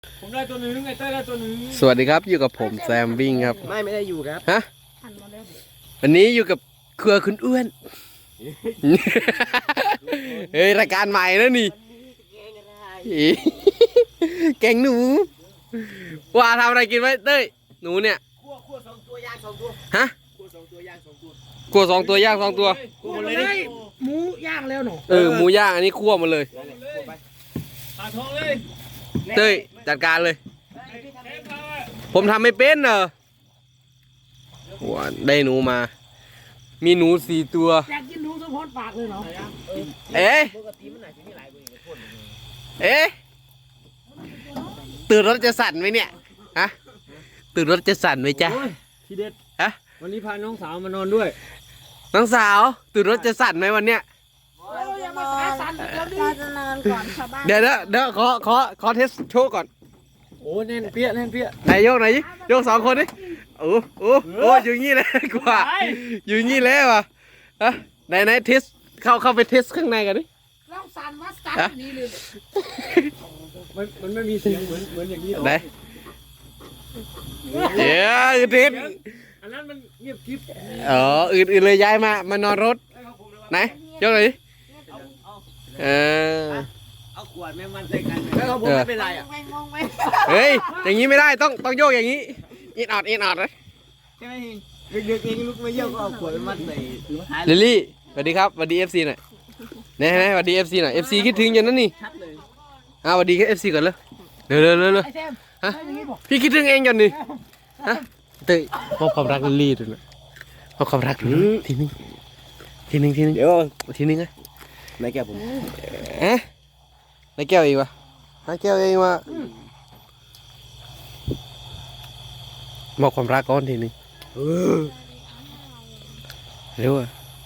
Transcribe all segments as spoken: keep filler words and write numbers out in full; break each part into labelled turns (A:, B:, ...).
A: ผมได้ตัวหนึ่งไอ้เต้ได้ตัวหนึ่ง
B: สวัสดีครับอยู่กับผมแซมวิ่งครับ
C: ไม่ไม่ได้อยู่ครับ
B: ฮะวันนี้อยู่กับครัวคุณอ้วนเฮ้ยรายการใหม่แล้วนี่แกงหนูว่าทำอะไรกินไว้เต้ยหนูเนี่ย
C: คั่วคั่วสองตัวย่างสองตัว
B: ฮะ
C: คั่วสองตัวย่างสองตัว
B: คั่วสองตัวย่างสองตัว
C: คั่วหมดเลยหมูย่างแล้วหนู
B: เออหมูย่างอันนี้คั่วหมดเลย
A: ปาทองเลย
B: เต้ยจัดการเลยผมทำไม่เป็นเนอะว้าได้หนูมามีหนูสี่ตัว
C: อยากกินหนูสะพอนปากเลยเหรอ
B: เอ๊ะเอ๊ะตื่นรถจะสั่นไหมเนี่ยฮะตื่นรถจะสั่นไหมจ๊ะ
A: ทีเด็ด
B: ฮะ
A: วันนี้พาน้องสาวมานอนด้วย
B: น้องสาวตื่นรถจะสั่นไหมวันเนี้ย
D: เราจะนอนก่อนชาวบ้าน
B: เดี๋ยวเดี๋ยวเดี๋ยวขอขอขอเทสโชว์ก่อน
A: โอ้แน่นเปี้ยแน่นเปี้ย
B: ไหนโยกไหนโยกสองคนดิโอ้โอ้โอ้อยู่งี้เลยกว่าอยู่งี้แล้วอ่ะฮะไหนไหนเทสเข้าเข้าไปเทสข้างในกันดิ
C: ลองสั่นวัดสั่นนี่เลย
A: มันมันไม่มีเสียงเหมือนเหมือนอย่างนี้หรอ
B: ไหนเดี๋ยวเทส
A: อันนั้นมันเงียบกิ๊บ
B: อ๋ออื่นๆเลยย้ายมามานอนรถไหนยกหน่อยดิเออ
C: เอาขวดแม่มันใส่กันแล้วเขาผมไม่เป็นไรอ่ะ
B: เฮ้ยอย่างนี้ไม่ได้ต้องต้องโยกอย่างนี้อินออดอินออดเลย
C: ใช่ไหมเด็กๆเองลุกไม่เยอะก็เอาขวดมัดใส่ถุงท้าย
B: ลิลลี่สวัสดีครับสวัสดีเอฟซีหน่อยไหนไหนสวัสดีเอฟซีหน่อยเอฟซีคิดถึงอย่างนั้นนี่อ้าวสวัสดีแค่เอฟซีก่อนเลยเร็วเร็วเร็วเร็วฮะพี่คิดถึงเองก่อนนี่ฮะเต้ยมอบความรักลิลลี่ด้วยนะมอบความรักทีนึงทีนึงทีนึง
C: เดี๋ยว
B: ทีนึงไง
C: นายแก้วผม
B: เอ๊ะนายแก้วเองวะนายแก้วเองวะมอบความรักก้อนทีนึงเร็วอะ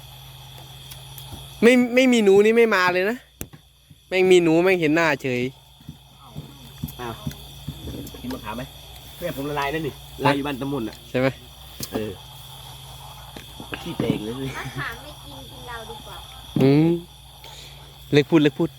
B: ไม่ไม่มีหนูนี่ไม่มาเลยนะแม่งมีหนูแม่งเห็นหน้าเฉย
C: อ้าวกินมะขามไหมเพื่อนผมละลายนั่นนี่ลายอยู่บ้านตะมุนอ่ะ
B: ใช่ไหม
C: เออขี้เตงเลย
D: มะขามไม่กินกินเราดีกว่า
B: อืมเล็กพูดเล็กพูด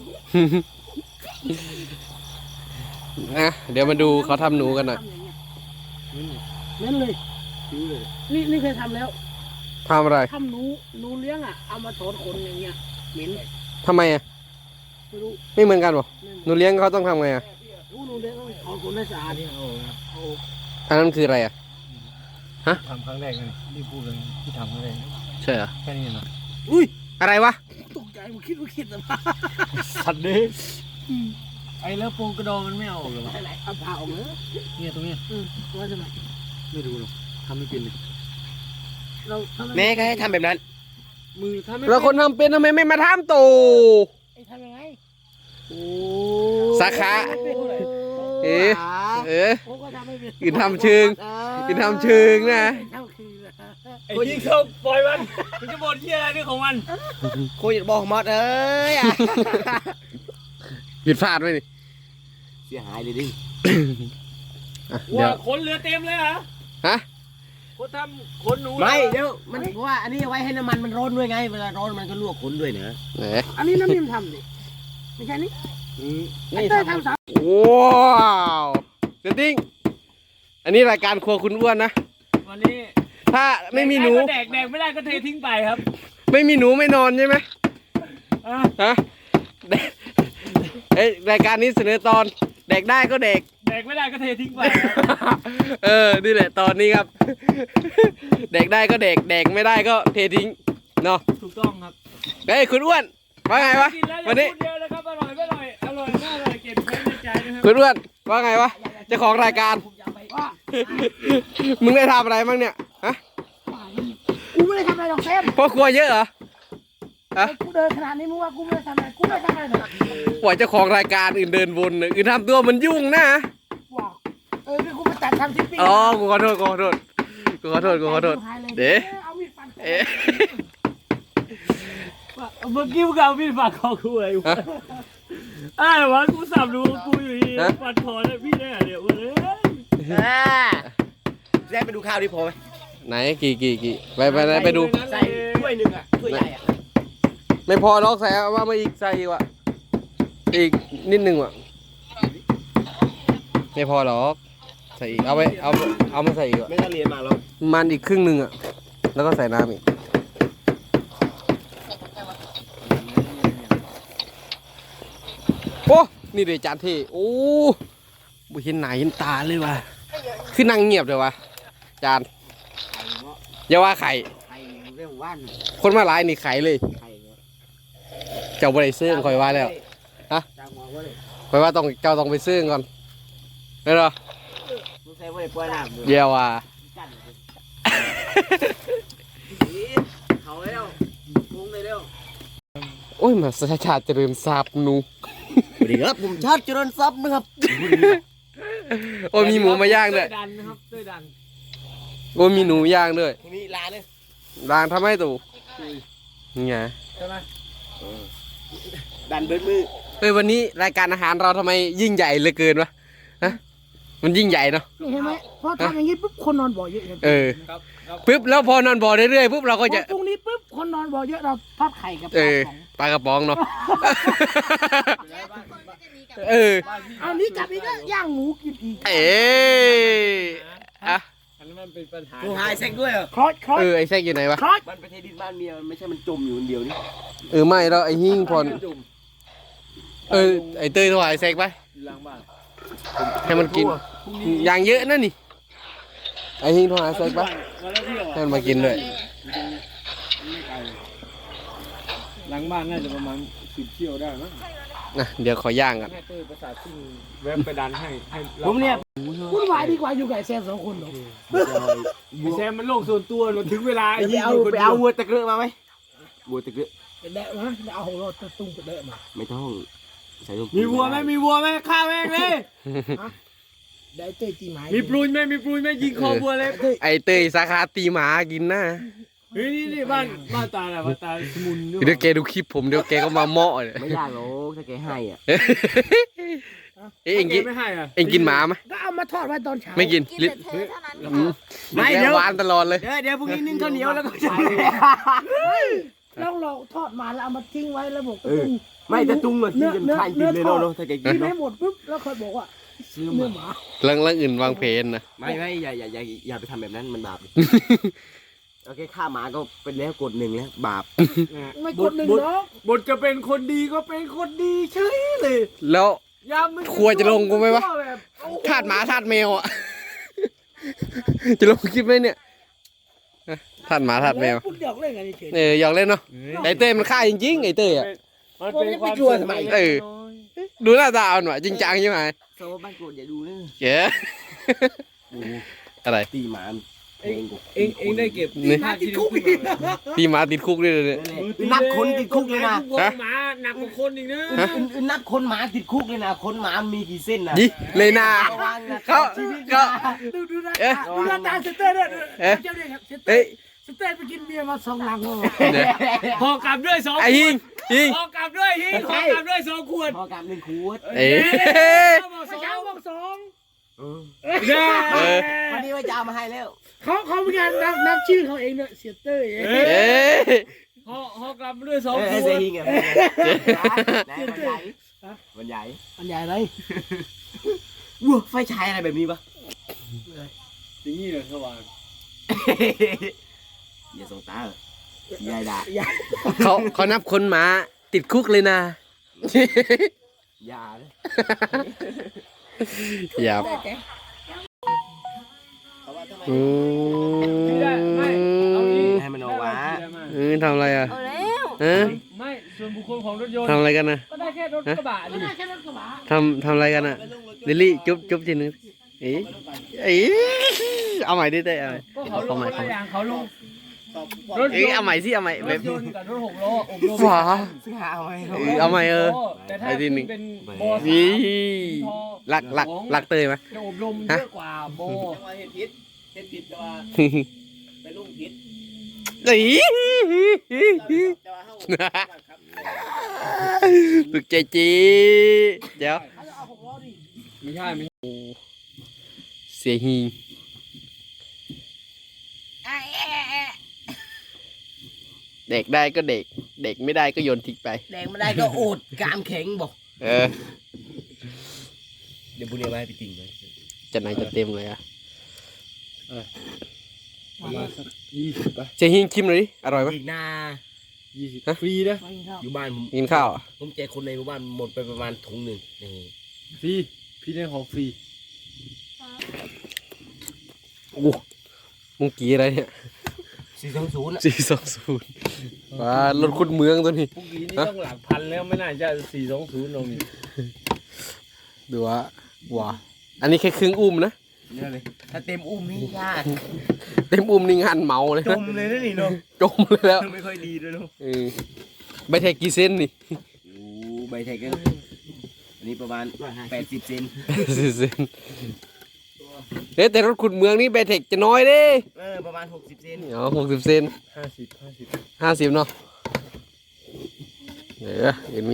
B: นะเดี๋ยวมาดูเขาทำหนูกันหน่อย
C: นั่นเลยนี่นี่เคยทำแล้ว
B: ทำอะไร
C: ทำหนูหนูเลี้ยงอ่ะเอามาถอนขนอย่างเงี้ยเหม็น
B: ทำไมอ่ะ
C: ไม่รู้
B: ไม่เหมือนกันหรอหนูเลี้ยงเขาต้องทำไงอ่ะ
C: หนูเลี้ยงถอนขนให้สะอาดนี่
B: อันนั้นคืออะไรอ่ะฮะ
A: ทำครั้งแรกเลยที่พูดเลยที่ทำครั้งแรก
B: ใช่เหรอ
A: แค่นี้เหรอ
B: อุ้ยอะไรวะ
C: ตกใจผมคิดว่าคิดนะ
A: สัตว์เลยไอ้แล้วโปงกระดองมันไม่เอาหรอวะ
C: ไหนเอาผ่าออกเลย
A: เนี่ยตรงเนี้ย
C: ว่าจะไหน
A: ไม่รู้หรอกทำไม่เป็นเลย
C: เรา
B: แม่ก็ให้ทำแบบนั้น
A: มือทำ
B: แล้วคนทำเป็นทำไมไม่มาทำตู
C: ไอ้ทำยังไง
A: โอ้
B: สาขาเอ๊ะเอ๊ะกินทำเชิงกินทำเชิงนะ
A: ไอ้ยิงเขาปล่อยมันมันจะบ่นเหี้ยอะไรนี่ของมัน
C: โคตรบอกหมดเอ้ย
B: ผิดพลาดไหมนี่
C: เสียหายเลยดิ
A: ว่าขนเรือเต็มเลยเหรอ
B: ฮะ
A: คนทำขนหนู
C: ไม่เดี๋ยวมันเพราะว่าอันนี้ไว้ให้น้ำมันมันร้อนด้วยไงเวลาร้อนมันก็ลวกขนด้วยเนอะอันนี้น้ำนิ่มทำดิไม่ใช่นี่นี่ทำสาม
B: ว้าวเซตติ้งอันนี้รายการครัวคุณอ้วนนะ
A: วันนี้
B: ถ้าไม่มีหนู
A: แดกแดกไม่ได้ก็เททิ้งไปครับ
B: ไม่มีหนูไม่นอนใช่ไหมฮะเอ้ยรายการนี้เสนอตอนแดกได้ก็แดก
A: แดกไม่ได้ก็เททิ้งไป
B: เออนี่แหละตอนนี้ครับแดกได้ก็แดกแดกไม่ได้ก็เททิ้งเนาะ
A: ถูกต้องครับ
B: เฮ้ยคุณอ้วนว่าไงวะวันนี้
A: เยอะเลยครับอร่อยไม่อร่อยอร่อยน่าอร่อยเก็บไว้ในใจนะครับ
B: คุณอ้วนว่าไงวะเจ้าของรายการมึงได้ทำอะไรบ้างเนี่ยฮะ
C: กูไม่ได้ทำอะไรหรอกเซม
B: พ่อครัวเยอะเหรอ
C: ฮะกูเดินขนาดนี้มึงว่ากูไม่ได้ทำอะไรกูไม่ได้ทำอะไรหรอก
B: ปล่อยเจ้าของรายการอื่นเดินวนอื่นทำตัวมันยุ่งนะ
C: ว้าวเออกูไปตัดทำทิปปี้
B: อ๋อกูขอโทษกูขอโทษกูขอโทษกูขอโทษเดี๋ยวเอ๊ะ
A: เมื่อกี้มึงเอาพี่ฝากคอกูไอ้วะไอ้วะกูสับดูกูอยู่ที่ฟันคอเนี่ยพี่ได้เดี๋ยวเอ้ย
C: ได้ไปดูข้าวดิพอไหม
B: ไหนกี่กี่กี่ไปไปไหนไปดู
C: ใส่ถ้วยหนึ่งอ่ะถ้วยใหญ่อ่ะ
B: ไม่พอลอกใส่ว่ามาอีกใส่อีกว่ะอีกนิดนึงว่ะไม่พอหรอกใส่อีกเอาไปเอาเอามาใส่อีก
C: ไม่ต้องเรียนมาหรอก
B: มันอีกครึ่งหนึ่งอ่ะแล้วก็ใส่น้ำอีกโอ้นี่เดี๋ยวจานที่โอ้บุเห็นไหนเห็นตาเลยว่ะคือนั่งเงียบเลยวะจานอย่าว่าไข่
C: ไข่เรื่องว่าน
B: คนมาหลายนี่ไข่เลย
C: ไข่เนาะ
B: เจ้าบริซื้อคอยว่าแล้วฮะ
C: จ้างหัวว่าเลย
B: คอยว่าต้องเจ้าต้องไปซื้อก่อนได้หรอ
C: มึงใส่ว่าเลยปล่อยน้ำ
B: เดี๋ยวว่ะ
C: กันเขาแล้วพุงเลยเร็ว
B: โอ้ยมาสชาชาติเจริญทราบนู
C: สวัสดีครับผมชาติเจริญทรัพย์นะครับ
B: โอ้ยมีหมูมาย่างด้วย
A: ดันนะครับด้วยดัน
B: โอ้ยมีหนูย่างด้วย
C: มีร้านเลย
B: ร้านทำให้ตู่นี่ไง
A: ใช่ไหม
C: ดันเบิดมือ
B: เฮ้ยวันนี้รายการอาหารเราทำไมยิ่งใหญ่เหลือเกินวะฮะมันยิ่งใหญ่เนาะ
E: นี่เห็นไหมพอทำอย่างนี้ปุ๊บคนนอนบ่อเยอะเลย
B: เออ
A: ครับครับ
B: ปุ๊บแล้วพอนอนบ่อเรื่อยๆปุ๊บเราก็จะ
E: พรุ่งนี้ปุ๊บคนนอนบ่อเยอะเราทอดไข่กับป
B: เอ
E: ลา
B: อ
E: ของ
B: ปลากระป๋องเนาะเออ
E: เอานี้กลับอีกแล้วย่างหมูกินอีก
B: เอ๊อะ
A: อันนั้นมันเป็นปัญหา
C: กูหายเซ็กด้วยเหรอ
E: คลอยคลอย
B: เออไอ้แซกอยู่ไหนวะ
E: คลอย
C: มันไปเทดินบ้านเมียมันไม่ใช่มันจมอยู่คนเดียวนี่
B: เออไม่แล้วไอ้หิ้งพอนเออไอ้เต้ยโทรหาไอ้แซกไป
A: อยู่หลังบ้าน
B: ให้มันกินอย่างเยอะนั่นนี่ไอ้หิ้งโทรหาไอ้แซกไป
A: มาแล้วเที่ยว
B: ให้มันมากินด้วย
A: ไม่ไกลหลังบ้านน่าจะประมาณสิบเที่ยวได้มั้ง
B: นะเดี๋ยวขอย่างกัน
A: ให้เต้ยประสาทซิ่งแวบไปดันให้ให้เรา
C: ผมเนี่ย
E: วุ่นวายดีกว่าอยู่กับไอ้แซมสองคนหรอก
A: ไอ้แซมมันโลกส่วนตัวเราถึงเวลาไอ้
C: ไป
A: ยี่
C: เอา
A: อยู่คน
C: ไป
A: เดีย
C: เอา
A: ว
C: วัวตะเกลือมาไหมวัวตะเกลือ
E: ไปแดะมาไปเอาของเราตะตุ้งไปแดะมา
C: ไม่ต้องใส่ลง
A: มีวัวไหมมีวัวไหมฆ่าแม่งเลย
E: ได้เต้ยตีไม้
A: มีปลุยไหมมีปลุยไหมยิงคอวัวเลย
E: เต้ย
B: ไอ้เต้ยสาขาตีหมากินนะ
A: เฮ้ยนี่นี่บ้านบ้านตาแหละบ้านตาสมุนด้วย
B: เดี๋ยวแกดูคลิปผมเดี๋ยวแกก็มาเมาะเลย
C: ไม่ยากหรอกถ้าแกให้อ่ะ
B: เอ้ยเอ็งกิน
A: ไม่ให้อ่ะ
B: เอ็งกินหมาไหม
E: ก็เอามาทอดไว้ตอนเช้า
B: ไม่กิน
D: กิน
B: ลิ
D: แต่เธอเท่านั้น
B: อืม
C: ไม่
B: แก
C: เดี๋ยว
B: หวานตลอดเลย
C: เดี๋ยวเดี๋ยวพรุ่งนี้นึ่งข้าวเหนียวแล้วก็จะ
E: แล้วเราทอดมาแล้วเอามาทิ้งไว้แล้วบอก
C: เออไม่แต่ตุ้งมันที่จะทานกินเลยเนาะเนาะถ้าแกกิ
E: กิ
C: น
E: นให้
C: เนาะ
E: หมดปุ๊บแล้วค่อยบอกว่า
C: ซื้อ
E: เนื้อ
C: มา
E: หมา
B: เรื่องเรื่องอื่นวางเพลนนะ
C: ไม่ไม่อย่าอย่าอย่าอย่าไปทำแบบนั้นมันบาปโอเคฆ่าหมาก็เป็นแล้วกดหนึ่งแล้วบาป
E: ไม่กดหนึ่งเนาะ
A: บทจะเป็นคนดีก็เป็นคนดีเฉยเลย
B: แล้ว
A: ยามมัน
B: ครัวจะลงกูไหมวะ
A: แบบโอ้โห
B: ทาดหมาทาดแมวอ่ะ จะลงคลิปไหมเนี่ยฮะทาดหมาทาดแมว
E: พูดหยอกเล่นกันเฉย
B: เออหยอกเล่นเนาะไอ้เต้ยมันฆ่าจริงๆไอ้เต้ยอ่ะ
A: มันเป็นความ
C: กลัวทำไม
B: เออ ดูหน้าตาเอาหน่อยจริงจังใช่ไหม
C: โซ่บ้านโกรธอย่าดูนะ
B: เก๋อะไร
C: ตีหมาเองกู
A: เองเองได้เก็บ
B: นี่
A: ค่าที่ดินขึ้นมาไหม
B: ตีหมาติดคุกด้วยเนี่ย
C: นับคนติดคุกเลยนะ
A: ฮะหมาหนักกว่าคนอีกนะ
C: นับคนหมาติดคุกเลยนะคนหมามีกี่เส้นนะ
B: ยี่เลยนา
C: ระวังนะ
B: เขา
C: ชีวิต
B: เขา
E: ดูดูหน้า
B: เอ๊ะ
E: ตาดูหน้าตาสเตอร์เนี่ย
B: เอ๊ะ
E: เจ้าเนี่ยครับสเตอ
B: เอ้ย
E: ร์สเตอร์ไปกินเบียร์มาสองลังแล้ว
B: เดี๋ยว
A: พอกลับด้วยสอง
B: ไอ้หิงหิง
A: พอกลับด้วยฮิงพอกลับด้วยสองขวด
C: พอกลับหนึ่งขวด
B: เอ๊ะ
A: เขาบอกส
E: เมื่
A: อ
E: อเช้าง บอกสอง
A: เด้
B: เออ
C: วันนี้ว่าจะเอามาให้แล้ว
E: เขาเขาเป็นการนับนับชื่อเขาเองเนี่ยเสียเตอร์เอง
A: เอ๊ะ
B: เอ๊ะ
A: พอพอกลับด้วยสอง
C: เออ
A: ข
C: ไอ้
A: ว
C: เสีย
A: ด
C: หิงอ่ะวันใหญ่วันใหญ่
E: อันใหญ่เลย
C: วัวไฟฉายอะไรแบบนี้ปะ
A: อย่างนี้เลยสว่าง
C: อย่าส่งตาเลยยายด่า
E: ใหญ่
B: เขาเขานับคนหมาติดคุกเลยนะ
C: อย่าเลย
B: อย่าอืม
A: ไม่ได้ไม่เอางี้
C: ให้มันออกวะ
B: เออทำอะไรอ่ะ
D: เอาแล้ว
B: เออ
A: ไม่ส่วนบุคคลของรถยนต์
B: ทำอะไรกันนะ
A: ก็ได้แค่รถกระบะ
E: ไม่
A: นี่
E: ได้แค่รถกระบะ
B: ทำทำอะไรกันอ่ะลิลลี่จุ๊บจุ๊บทีนึงเอ๊ะเอ๊ะเอาใหม่ดิเต้เอาใหม่
A: ก็เขาล
B: เอา
A: ง
B: ใหม่
A: คนละอย่างเขาลงรถย
B: เอ๊ะ
A: น
B: เอา
A: ต์
B: ใหม่สิเอาใหม่
A: ร
B: แบ
A: ถ
B: บ
A: ยนต์กับรถหกล้ออบรม
B: ฝา
C: ซึ่งหาเอาไว้
B: เออเอาใหม่เออ
A: แต่ถ้า
B: ไอ้ที่หนึ่ง
A: เป็นโบสาม
B: นี่รักรักรักเตยไหม
A: จะอบรมเยอะกว่าโบ
C: เห็ดพิษเห็ดพิษแต่ว่าไปลุ่มพิษ
B: นี่
C: แต่ว่าเข้า
B: ตึกใจจีเดี๋ยว
A: ไม่ใช่ไม่
B: เสียฮีเด็กได้ก็เด็ก เด็กไม่ได้ก็โยนทิ้งไป
C: แดงไม่ได้ก็โอดกามแข็งบอก
B: เออ
C: เดี๋ยวบุญเอาไว้ให้พี่ติ่งเลย
B: จะไหนจะเต็มเลยอ่ะ
A: ประมาณสักยี่สิบป่ะ
B: เจฮิงชิมเลยดิอร่อยไหม
C: อีกหน้า
A: ยี่สิบฟรีนะ
E: ไปกินข้าว
C: อยู่บ้านผม
B: กินข้าวอ่ะ
C: ผมแจกคนในหมู่บ้านหมดไปประมาณถุงหนึ่งนี่
A: ฟรีพี่ได้ของฟรี
B: โอ้มึงกี่อะไรเนี่ย
C: สี่สองศูนย์
B: สี่สองศูนย์ว้ารถคุณเมืองตัวนี้
A: พวกนี้นี่ต้องหลักพันแล้วไม่น่าจะสี่สองศูนย์ลงนี่
B: ดูว่าว้าอันนี้แค่ครึ่งอุ้มนะ
C: เนี่ยเลยถ้าเต็มอุ้มนี่ยาก
B: เต็มอุ้มนี่งานเมาเลย
C: จ
B: นะ
C: มเลยนะนี่เนาะ
B: จมเลยแล้ว
C: ไม่ค่อยดีด้วยเนาะ
B: เออใบแทกกี่เส้นนี่
C: โอ้ใบไทยกันอันนี้ประมาณแปดสิบเซน
B: สี่เส้นเอ๊ะแต่รถขุดเมืองนี่ใบแทกจะน้อยเด้
C: เออประมาณหกสิบเซน
B: อ๋อหกสิบเซน
A: ห้าสิบห้าสิบ
B: ห้าสิบเนาะเดี๋ยวเห็นมี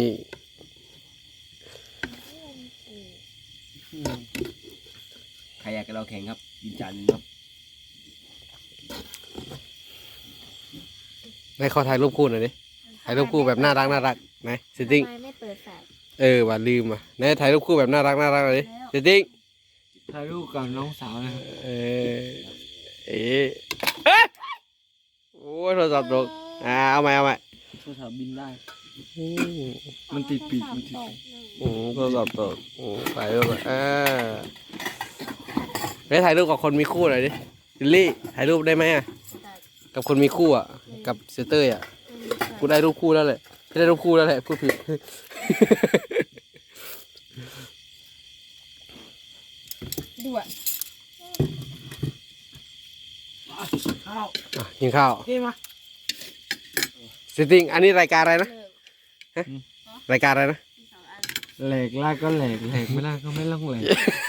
C: ใครอยากกับเราแข่งครับยินจันทร์ครับ
B: ให้ขอถ่ายรูปคู่หน่อยดิถ่ายรูปคู่แบบน่ารักน่ารักไหนเซตติ้ง
D: ทำไมไม่เปิดแฟลช
B: เออว่าลืมอ่ะไหนถ่ายรูปคู่แบบน่ารักน่ารักเลยเซตติ้ง
A: ถ่ายรูปกับน้องสาวนะครับ
B: เออเอ๊ะเอ๊ะโอ้ยโทรศัพท์ตกอ่าเอาใหม่เอาใหม่
A: โทรศัพท์บินได้
B: อืม
A: มันติดปีกมันติดปีก
B: อืมโทรศัพท์ตกอืมถ่ายรูปอ่ะอ่าไปถ่ายรูปกับคนมีคู่หน่อยดิลิลลี่ถ่ายรูปได้ไหมอ่ะกับคนมีคู่อ่ะกับเซเตอร์อ่ะกูได้รูปคู่แล้วแหละไม่ได้รูปคู่แล้วแหละพูดผิด
E: ด้วย ข้าว
B: อ่ะกินข้าว
E: นี่มา
B: เซตติ้งอันนี้รายการอะไรนะฮะรายการอะไรนะ
A: แหลกลากก็แหลกแหลกไม่ลากก็ไม่ต้องแหลก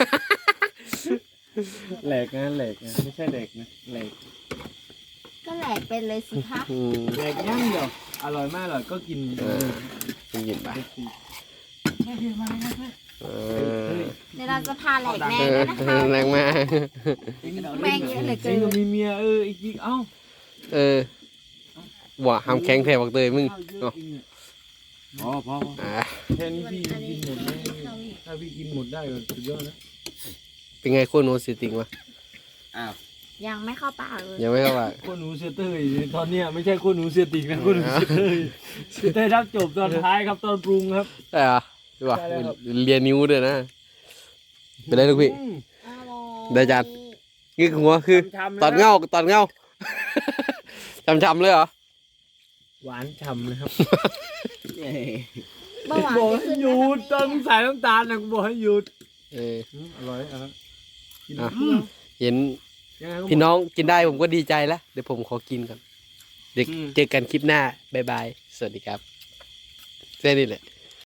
A: แหลกนะแหลกนะไม่ใช่แหลกนะแหลก
D: ก็แหลกเป็นเลยสิคะ
B: อืม
A: แหลกย่างเดียวอร่อยไม่อร่อยก็กิน
B: เออกินกินไป
E: แค่คือมาเลยนะ
B: เออ
D: เดี๋ยวเราจะพาแหลกแน่
B: เอ
D: เล
B: อย
D: นะคะ
B: แรงมาก
D: แม่งเยอะเหลือ
A: จ
D: เกิ
A: ริง
D: น
A: ก็มีเมียเอออีกเอ้า
B: เออว่าหามแข็งแถบักเตยมึง
A: ข้าวเย
B: เนาะ
A: อะจริงเนี่ยพอพอพอ
B: อ่า
A: แค่นี้พี่กินหมดได้ถ้าพี่กินหมดได้ก็สุดยอดนะ
B: เป็นไงคู่โนเซตติ้งวะ
C: อ้าว
D: ยังไม่เข้าปากเลย
B: ยังไม่เข้าปาก
A: คนหนูเสียเตยตอนเนี้ยไม่ใช่คนหนูเสียติกนะคนหนูเสียเตยเสียเตยรับจบตอนท้ายครับตอนปรุงครับ
B: ได้เหรอดูว่า
A: ได้แล้วครับ
B: เรียนนิ้วด้วยนะเป็นไรลูกพี่ ได้จาน นี่หัวคือ
A: ช้ำๆะ
B: ตอนเงาตอนเงา จำๆเลยเหรอ
A: หวานฉ่ำเลยครับ
C: เย้
D: เบาหวาน
A: บอก
D: จะ
A: ให้
D: ขึ้น
A: หยุด
D: นะ
A: ต้องใส่น้ำตาลนะกูบอกให้หยุด
B: เออ
A: อืมอร่อยอ่ะกิน
B: อ่ะ
A: อืม
B: เห็น
A: ยังไงก็
B: พี่น้องกินได้ผมก็ดีใจแล้ว เดี๋ยวผมขอกินก่อนเด็ก
A: อืม
B: เจอกันคลิปหน้า บ๊ายบาย สวัสดีครับแค่นี้แหละ